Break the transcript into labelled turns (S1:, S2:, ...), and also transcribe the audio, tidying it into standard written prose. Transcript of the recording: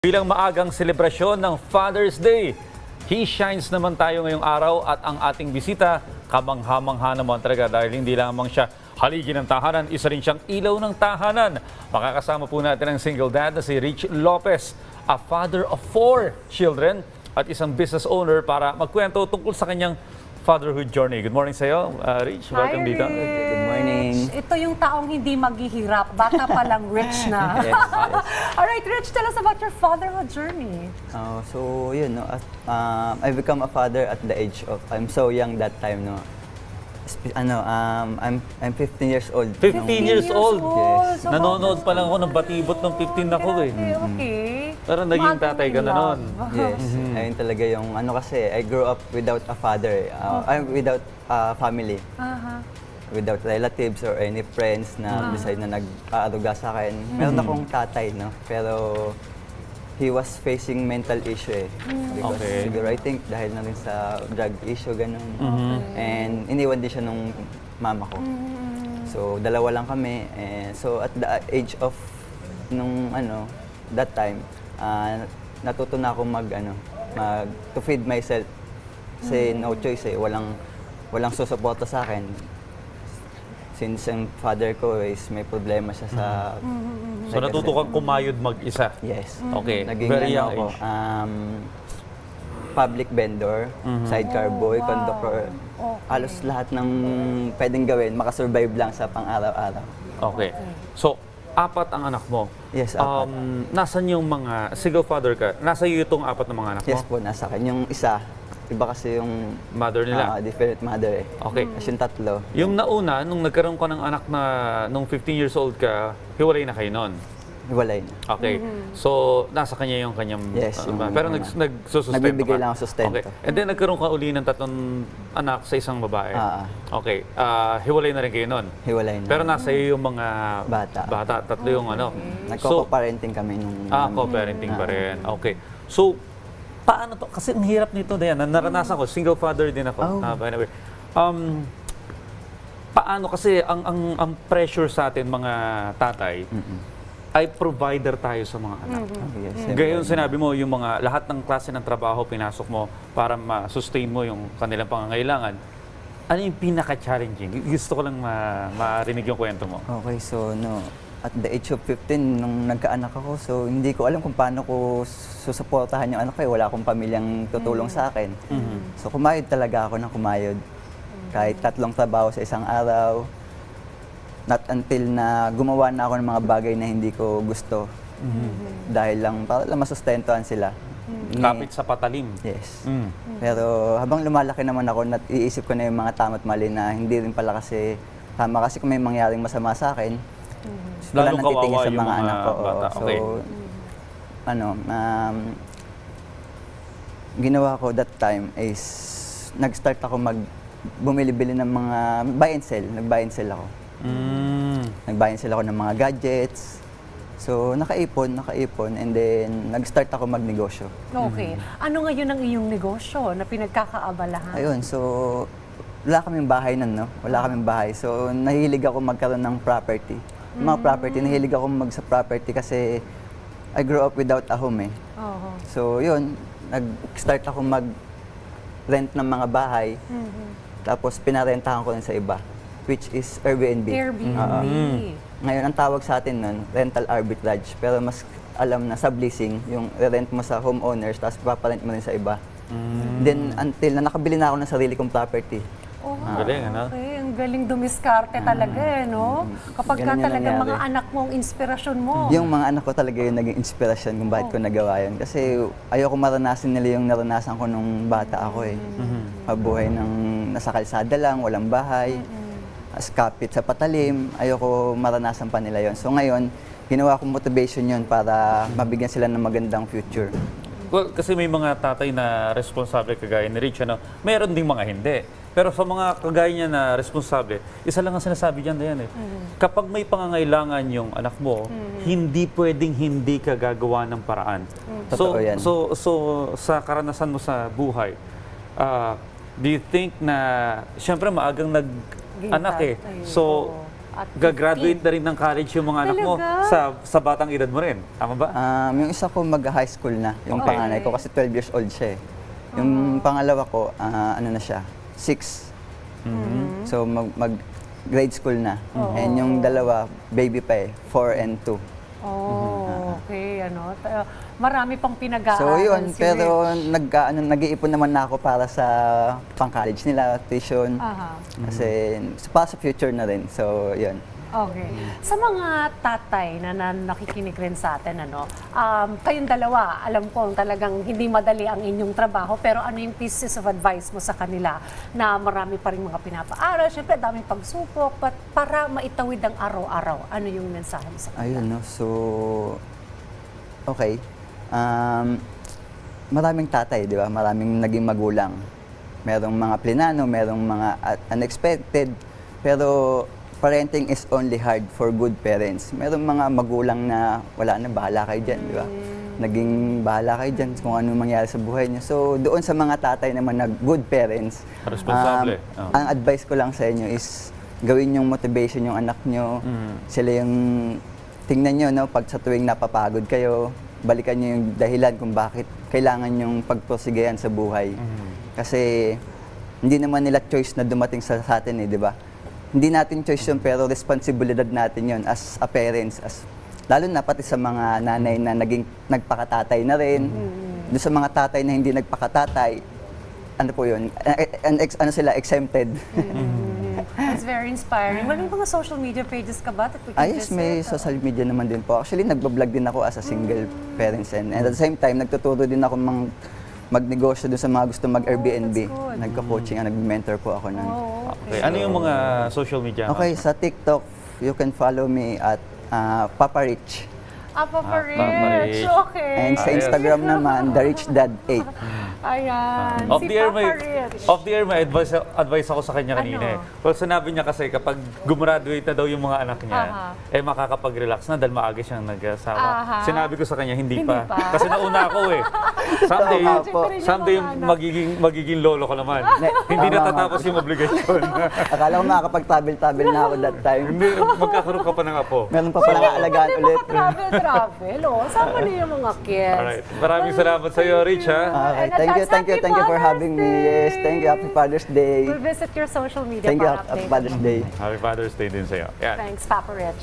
S1: Bilang maagang selebrasyon ng Father's Day, He shines naman tayo ngayong araw at ang ating bisita, kamangha-mangha naman talaga dahil hindi lamang siya haligi ng tahanan, isa rin siyang ilaw ng tahanan. Makakasama po natin ang single dad na si Rich Lopez, a father of 4 children at isang business owner para magkwento tungkol sa kanyang fatherhood journey. Good morning sa iyo, Rich. Welcome dito.
S2: Good morning.
S3: Ito yung taong hindi maghihirap. Bata pa lang rich na.
S2: Yes.
S3: Alright, Rich, tell us about your fatherhood journey.
S2: So yun, no, I become a father at the age of, I'm so young that time, no. I'm 15 years old.
S1: 15 years old?
S2: Yes.
S3: So,
S1: Nanonood pa lang ako ng batibot ng 15 ako eh.
S3: Okay.
S1: Pero naging tatay ka na noon.
S2: Yes, ayun talaga yung ano kasi, I grew up without a father, without a family. Without relatives or any friends na decide na nag-aaruga sa akin. Meron akong tatay, no? Pero he was facing mental issue eh. Because
S1: Okay.
S2: siguro I think dahil na rin sa drug issue, ganun. And iniwan din siya nung mama ko. So dalawa lang kami. So at the age of nung that time, natuto na ako to feed myself. Kasi no choice eh, walang susuporta sa akin. Since ang father ko is may problema siya sa...
S1: So natuto kang kumayod mag-isa?
S2: Yes.
S1: Okay,
S2: Naging
S1: very young
S2: ako,
S1: age.
S2: public vendor, sidecar boy,
S3: wow.
S2: conductor.
S3: Okay.
S2: Halos lahat ng pwedeng gawin, makasurvive lang sa pang-araw-araw.
S1: Okay. So, 4 ang anak mo.
S2: Yes, 4.
S1: Nasaan yung mga, single father ka, nasa iyo itong 4 na mga anak
S2: Yes
S1: mo?
S2: po, nasa akin. Yung isa, iba kasi yung
S1: Mother nila?
S2: different mother eh.
S1: Okay.
S2: Kasi yung tatlo.
S1: Yung nauna, nung nagkaroon ka ng anak na, nung 15 years old ka, hiwalay na kayo noon.
S2: Hiwalay na.
S1: Okay. So, nasa kanya yung kanyang...
S2: Yes, yung
S1: pero
S2: mga-
S1: nagsusustento
S2: Nagbibigay
S1: ka?
S2: lang ako sustento.
S1: Okay. And then, nagkaroon ka uli ng 3 anak sa isang babae? Okay. Hiwalay na rin kayo noon?
S2: Hiwalay na.
S1: Pero nasa iyo yung mga...
S2: Bata.
S1: 3 yung ano.
S2: Nagko-parenting kami nung...
S1: Co-parenting pa rin. Okay. So, paano to? Kasi ang hirap nito, Diana. Naranasan ko, single father din ako. By the way. Paano kasi ang pressure sa atin mga tatay ay provider tayo sa mga anak.
S2: Yes,
S1: Gayon sinabi mo, yung mga lahat ng klase ng trabaho pinasok mo para ma-sustain mo yung kanilang pangangailangan. Ano yung pinaka-challenging? Gusto ko lang marinig yung kwento mo.
S2: Okay, so at the age of 15, nung nagkaanak ako, so hindi ko alam kung paano ko susuportahan yung anak ko. Wala akong pamilyang tutulong sa akin. So kumayod talaga ako ng kumayod. Kahit 3 trabaho sa isang araw. Not until na gumawa na ako ng mga bagay na hindi ko gusto. Dahil lang, para lang masustentuhan sila.
S1: Kapit sa patalim.
S2: Yes. Pero habang lumalaki naman ako, iisip ko na yung mga tama't mali na hindi rin pala kasi tama kasi kung may mangyaring masama sa akin, wala
S1: Lalong
S2: nang titingin
S1: kawawa
S2: sa
S1: yung
S2: mga
S1: mga
S2: anak ko.
S1: bata.
S2: So,
S1: Okay.
S2: Ginawa ko that time is nag-start ako bumili-bili ng mga buy and sell. Nag-buy and sell ako. Nag-buy and sell ako ng mga gadgets. So, nakaipon, and then nag-start ako magnegosyo.
S3: Okay. Ano ngayon ang iyong negosyo na pinagkakaabalahan?
S2: Ayun, so wala kaming bahay nun, no? Wala kaming bahay. So, nahilig ako magkaroon ng property. Mga property, nahilig ako sa property kasi I grew up without a home eh. So, yun, nag-start ako mag-rent ng mga bahay. Tapos, pinarentahan ko rin sa iba, which is Airbnb.
S3: Airbnb.
S2: Ngayon, ang tawag sa atin nun, rental arbitrage. Pero mas alam na subleasing, yung rent mo sa homeowners, tapos paparent mo rin sa iba. Then, until na nakabili na ako ng sarili kong property.
S1: Galing, ano?
S3: Okay, ang galing dumiskarte talaga eh, no? Kapag ka
S2: Ganun yung
S3: talaga
S2: nangyari.
S3: mga anak mo ang inspirasyon mo.
S2: Yung mga anak ko talaga yung naging inspirasyon kung bakit ko nagawa yun. Kasi ayoko maranasan nila yung naranasan ko nung bata ako eh. Mabuhay ng nasa kalsada lang, walang bahay, kapit sa patalim. Ayoko maranasan pa nila yon. So ngayon, ginawa kong motivation yun para mabigyan sila ng magandang future.
S1: Well, kasi may mga tatay na responsable kagaya ni Rich, ano? Meron ding mga hindi. Pero sa mga kagaya niya na responsable, isa lang ang sinasabi diyan Dayan eh. Kapag may pangangailangan yung anak mo, hindi pwedeng hindi ka gagawa ng paraan.
S2: Totoo yan.
S1: So sa karanasan mo sa buhay, do you think na, siyempre maagang nag-anak eh.
S3: Ayun,
S1: So,
S3: oo. at 15.
S1: Gagraduate na rin ng college yung mga anak mo
S3: Talaga?
S1: sa batang edad mo rin. Tama ba?
S2: Yung isa ko mag-high school na, yung
S1: Okay.
S2: panganay ko kasi 12 years old siya eh. Yung pangalawa ko, ano na siya, 6. So mag-grade school na. And yung dalawa, baby pa eh, 4 and 2.
S3: Oh, okay, marami pang pinag-aaral.
S2: So yun,
S3: si
S2: pero
S3: Rich.
S2: nag-iipon naman na ako para sa pang-college nila, tuition.
S3: Aha.
S2: Kasi para sa future na rin. So yun.
S3: Okay. Sa mga tatay na nakikinig rin sa atin, kayong dalawa, alam ko talagang hindi madali ang inyong trabaho, pero ano yung pieces of advice mo sa kanila na marami pa rin mga pinapaaral, syempre daming pagsupok, but para maitawid ang araw-araw, ano yung mensahe mo sa kanila?
S2: Ayun, no? So, okay. Maraming tatay, di ba? Maraming naging magulang. Merong mga plinano, merong mga unexpected. Pero parenting is only hard for good parents. Merong mga magulang na wala na, bahala kayo dyan, di ba? Naging bahala kayo dyan kung ano mangyari sa buhay niyo. So, doon sa mga tatay naman na good parents,
S1: Responsable.
S2: ang advice ko lang sa inyo is gawin yung motivation yung anak nyo. Sila yung tingnan nyo, no, pag sa tuwing napapagod kayo, balikan nyo yung dahilan kung bakit kailangan yung pagprosigayan sa buhay. Kasi hindi naman nila choice na dumating sa atin eh, di ba? Hindi natin choice yun, pero responsibilidad natin yun as a parents, lalo na pati sa mga nanay na nagpakatatay na rin. Doon sa mga tatay na hindi nagpakatatay, ano po yun, sila, exempted.
S3: That's very inspiring. May mga social media pages ka ba that we can
S2: Yes, may
S3: visit?
S2: social media naman din po. Actually, nagbablog din ako as a single parents and at the same time, nagtuturo din ako magnegosyo doon sa mga gusto mag-Airbnb.
S3: good.
S2: Nagka-coaching, nag-mentor po ako nun.
S3: Oh,
S1: Okay. Ano yung mga social media?
S2: Okay, sa TikTok, you can follow me at Papa Rich.
S3: Papa
S1: Papa
S3: Rich.
S1: Rich.
S3: Okay.
S2: And sa
S1: Ayos.
S2: Instagram naman, The Rich Dad 8.
S3: Ayan.
S1: Off
S3: Si
S1: the air,
S3: Papa Rich.
S1: off the air, may advice ako sa kanya kanina eh.
S3: Ano?
S1: Well, sinabi niya kasi kapag gumraduate na daw yung mga anak niya,
S3: Aha.
S1: makakapag-relax na dahil maaga siyang nag-asawa.
S3: Aha.
S1: Sinabi ko sa kanya, hindi
S3: Hindi
S1: pa.
S3: pa.
S1: Kasi nauna ako eh. Someday,
S2: Tama po.
S1: someday
S3: Yung mga anak.
S1: magiging lolo ko naman. Hindi
S2: Tama,
S1: natatapos yung obligasyon.
S2: Akala ko makakapag-travel na ako that time.
S1: Hindi, magkakaroon ka pa ng apo.
S2: Meron pa palang aalagaan ulit.
S3: Travel. Sama niyo yung mga kids.
S1: Alright. Maraming salamat sa iyo, Rich, ha?
S2: Okay,
S3: And
S2: thank you for
S3: Father's
S2: having me. Yes, thank you. Happy Father's Day.
S3: We'll visit your social media
S2: Thank you.
S3: para
S2: Happy
S3: update.
S2: Father's Day.
S1: Happy Father's Day din sa iyo. Yan.
S3: Thanks, Papa Rich.